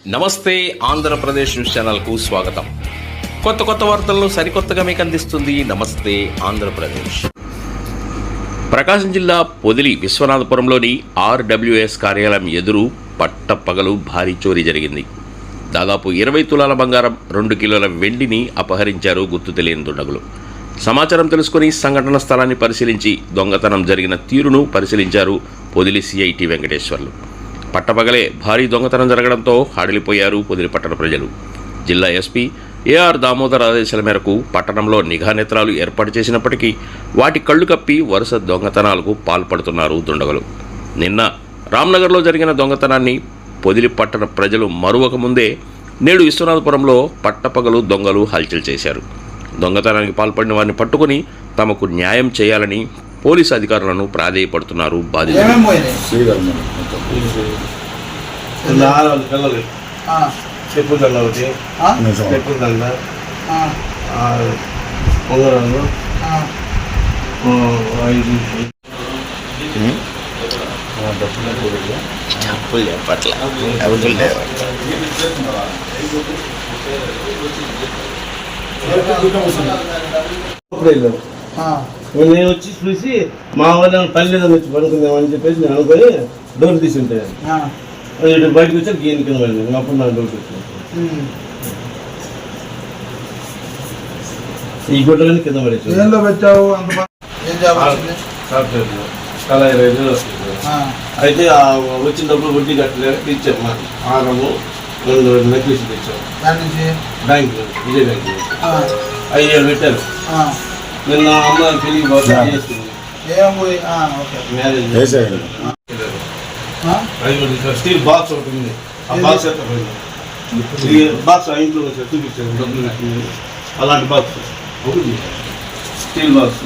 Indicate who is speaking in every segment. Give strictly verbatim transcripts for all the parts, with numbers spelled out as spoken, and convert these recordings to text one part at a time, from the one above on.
Speaker 1: నమస్తే ఆంధ్రప్రదేశ్ న్యూస్ ఛానల్కు స్వాగతం. కొత్త కొత్త వార్తలను సరికొత్తగా మీకు అందిస్తుంది నమస్తే ఆంధ్రప్రదేశ్. ప్రకాశం జిల్లా పొదిలి విశ్వనాథపురంలోని ఆర్డబ్ల్యూఎస్ కార్యాలయం ఎదురు పట్టపగలు భారీ చోరీ జరిగింది. దాదాపు ఇరవై తులాల బంగారం, రెండు కిలోల వెండిని అపహరించారు గుర్తు తెలియని దుండగులు. సమాచారం తెలుసుకుని సంఘటన స్థలాన్ని పరిశీలించి దొంగతనం జరిగిన తీరును పరిశీలించారు పొదిలి సిఐటి వెంకటేశ్వర్లు. పట్టపగలే భారీ దొంగతనం జరగడంతో హడలిపోయారు పొదిలి పట్టణ ప్రజలు. జిల్లా ఎస్పీ ఏఆర్ దామోదర్ ఆదేశాల మేరకు పట్టణంలో నిఘా నేత్రాలు ఏర్పాటు చేసినప్పటికీ వాటి కళ్లు కప్పి వరుస దొంగతనాలకు పాల్పడుతున్నారు దుండగులు. నిన్న రామ్నగర్లో జరిగిన దొంగతనాన్ని పొదిలి పట్టణ ప్రజలు మరువక ముందే నేడు విశ్వనాథపురంలో పట్టపగలు దొంగలు హల్చల్ చేశారు. దొంగతనానికి పాల్పడిన వారిని పట్టుకుని తమకు న్యాయం చేయాలని పోలీసు అధికారులను ప్రాధేయపడుతున్నారు బాధితులు.
Speaker 2: చెప్పు దండ ఒకటి, చెప్పు దండ, ఉంగరాలు, ఐదు
Speaker 1: డబ్బులు చెప్పట్ల డబ్బులు
Speaker 2: నేను వచ్చి చూసి మా వాళ్ళ పల్లెలో వచ్చి పడుకుందామని చెప్పేసి నేను అనుకొని డోర్ తీసి ఉంటాను. ఇటు బయటకు వచ్చి గీని కింద పడింది. అప్పుడు నాకు డోర్ వచ్చింది. ఈ గుడ్డలని కింద పడేసి కళాయి రైతు అయితే వచ్చినప్పుడు వడ్డీ కట్టలేక తెచ్చాము. ఆరము రెండు నెక్లెస్ తెచ్చాము బ్యాంకు, విజయ బ్యాంకు. ఐదు వేలు పెట్టారు. నిన్న అమ్మాయి పెళ్లి స్టీల్ బాక్స్ ఒకటి ఉంది. ఆ బాక్స్ బాక్స్ ఆ ఇంట్లో చూపించారు డబ్బులు. అలాంటి బాక్స్ ఒకటి స్టీల్ బాక్స్.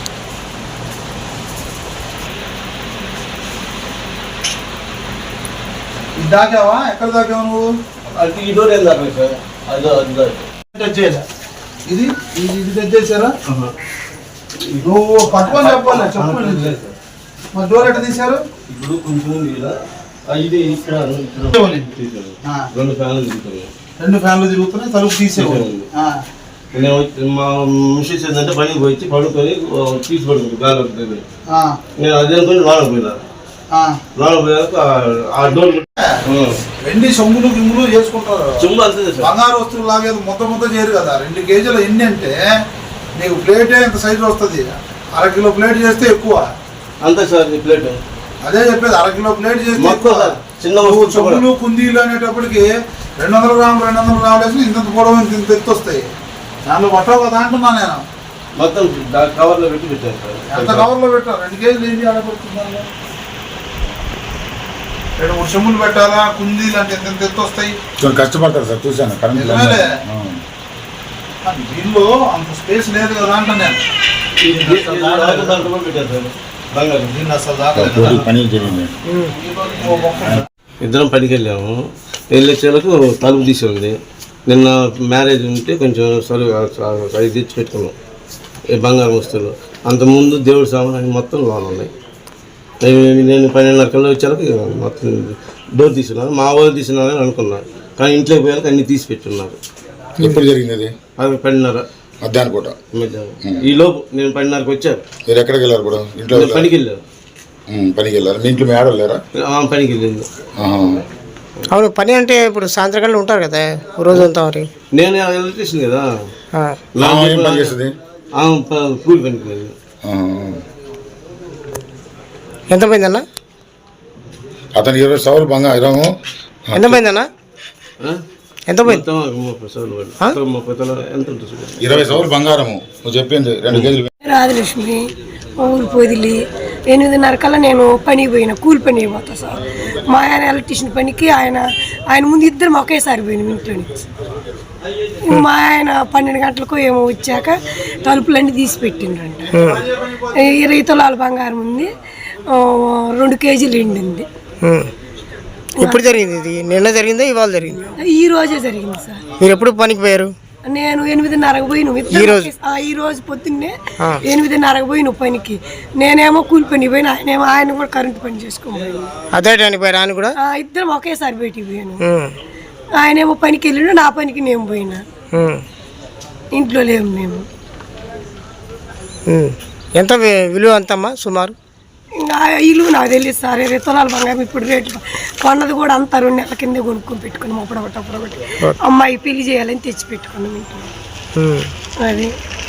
Speaker 3: దాకావా? ఎక్కడ దాకావు నువ్వు?
Speaker 2: అది ఈ డోర్ ఏం దాకా సార్? అదో అది
Speaker 3: టచ్ చేయలే. ఇది ఇది టచ్ చేశారా? నువ్వు పట్టుకొని చెప్పాలి. చెప్పండి మరి డోర్ ఎట్లా తీశారు?
Speaker 2: ఇప్పుడు కొంచెం ఇది ఇక్కడ రెండు ఫ్యాన్లు తిరుగుతున్నాయి.
Speaker 3: రెండు ఫ్యాన్లు తిరుగుతున్నాయి. తలుపు తీసేవాళ్ళు.
Speaker 2: నేను మా మిషన్స్ ఏంటంటే పనికి పోయి పడుకొని తీసి పడుతుంది గాలి దగ్గర. నేను అదే అనుకుని లోన పోయినా. లోన పోయాక ఆ డోర్
Speaker 3: వెండి సొమ్ములు గిమ్ములు చేసుకుంటారు.
Speaker 2: చెంబు అంతే సార్.
Speaker 3: బంగారు వస్తువులు లాగేది మొత్తం మొత్తం చేయరు కదా. రెండు కేజీలు ఎన్ని అంటే నీకు ప్లేటే ఎంత సైజు వస్తుంది. అర కిలో ప్లేట్ చేస్తే ఎక్కువ.
Speaker 2: అంతే సార్ ఈ ప్లేట్.
Speaker 3: అదే చెప్పేది, అర కిలో ప్లేట్ చేస్తే
Speaker 2: చిన్న
Speaker 3: చెంబులు కుందీలు అనేటప్పటికి రెండు వందల గ్రాములు రెండు వందల గ్రాములు వేసి ఇంత పొడవు ఇంత ఇంత ఎత్తు వస్తాయి. దాంట్లో పట్టవు కదా అంటున్నా నేను.
Speaker 2: మొత్తం కవర్లో పెట్టి పెట్టాను సార్.
Speaker 3: ఎంత కవర్లో పెట్టాను? రెండు కేజీలు ఏంటి ఆడపడుతున్నాను. రెండు మూడు చెంబులు పెట్టాలా, కుందీలు అంటే ఎంత ఎంత ఎత్తు వస్తాయి.
Speaker 4: కష్టపడతారు సార్, చూసాను.
Speaker 3: దీనిలో అంత స్పేస్ లేదు కదా అంట నేను.
Speaker 2: ఇద్దరం పనికి వెళ్ళాము. వెళ్ళేసేలకు తలుపు తీసి ఉంది. నిన్న మ్యారేజ్ ఉంటే కొంచెం సరువు అది తెచ్చి పెట్టుకున్నాం ఈ బంగారం వస్తువులు. అంతకుముందు దేవుడి సామాన్ మొత్తం లోన్ ఉన్నాయి. నేను పన్నెండున్నర కల్లా వచ్చేలకు మొత్తం డోర్ తీసుకున్నాను. మా వాళ్ళు తీసుకున్నారని అనుకున్నాను. కానీ ఇంట్లోకి పోయాక అన్ని తీసి పెట్టున్నారు.
Speaker 4: ఎప్పుడు జరిగింది అది?
Speaker 2: అది పన్నెండున్నర
Speaker 4: మధ్యాహ్నం పూట.
Speaker 2: ఈ లోపు నేను పన్నెండున్నరకు వచ్చాను.
Speaker 4: మీరు ఎక్కడికి వెళ్ళారు కూడా? ఇంట్లో
Speaker 2: పనికి వెళ్ళాను.
Speaker 4: పనికి వెళ్ళారు. మీ ఇంట్లో మీ ఆడలేరా?
Speaker 2: పనికి వెళ్ళింది.
Speaker 5: అవును, పని అంటే ఇప్పుడు సాయంత్రం ఉంటారు కదా రోజంతా. మరి
Speaker 2: నేను ఎలక్ట్రీషియన్ కదా.
Speaker 4: పని చేస్తుంది
Speaker 2: కూలి పనికి వెళ్ళి.
Speaker 5: ఎంత పోయిందన్న?
Speaker 4: అతను ఇరవై సవర్లు బంగారం.
Speaker 5: ఎంత పోయిందన్న? ఎంత పోయింది?
Speaker 4: ఇరవై సవర్లు బంగారము నువ్వు చెప్పింది. రెండు కేజీలు.
Speaker 6: రాజలక్ష్మి ఊరు పొదిలి. ఎనిమిదిన్నర కల్లా నేను పనికి పోయినా, కూలి పని పోతా సార్. మా ఆయన ఎలక్ట్రీషియన్ పనికి ఆయన ఆయన ముందు ఇద్దరం ఒకేసారి పోయినాం ఇంట్లో నుంచి. మా ఆయన పన్నెండు గంటలకు ఏమో వచ్చాక తలుపులన్నీ తీసి పెట్టిండ్రంట. ఇరవై తులాల బంగారం ఉంది, రెండు కేజీలు ఎండింది.
Speaker 5: ఎప్పుడు జరిగింది ఇది? నిన్న జరిగిందా ఇవాళ జరిగింది?
Speaker 6: ఈ రోజే జరిగింది సార్.
Speaker 5: మీరు ఎప్పుడు పనికి పోయారు?
Speaker 6: నేను ఎనిమిదిన్నరకు పోయి నువ్వు ఈ రోజు పొద్దున్నే ఎనిమిదిన్నరకు పోయి నువ్వు పనికి. నేనేమో కూలి పని పోయిన, ఆయనేమో ఆయన కూడా కరెంట్ పని చేసుకోబోయాను.
Speaker 5: అదే టైంకి పోయారు ఆయన కూడా?
Speaker 6: ఇద్దరం ఒకేసారి బయటికి పోయాను. ఆయనేమో పనికి వెళ్ళాడు, నా పనికి నేను పోయినా.
Speaker 5: ఉమ్.
Speaker 6: ఇంట్లో లేము మేము.
Speaker 5: ఉమ్. ఎంత వి- విలువ ఎంతమ్మా సుమారు?
Speaker 6: ఇంకా ఆ ఇల్లు నాకు తెలియదు సార్. ఇరవై తులాల బంగారం ఇప్పుడు రేట్లు కొన్నది కూడా అంతా రెండు నెలల కిందే కొనుక్కొని పెట్టుకున్నాం. అప్పుడొకటి అప్పుడొకటి అమ్మాయి పెళ్లి చేయాలని తెచ్చి పెట్టుకున్నాం ఇంట్లో.
Speaker 5: ఉమ్.
Speaker 6: అది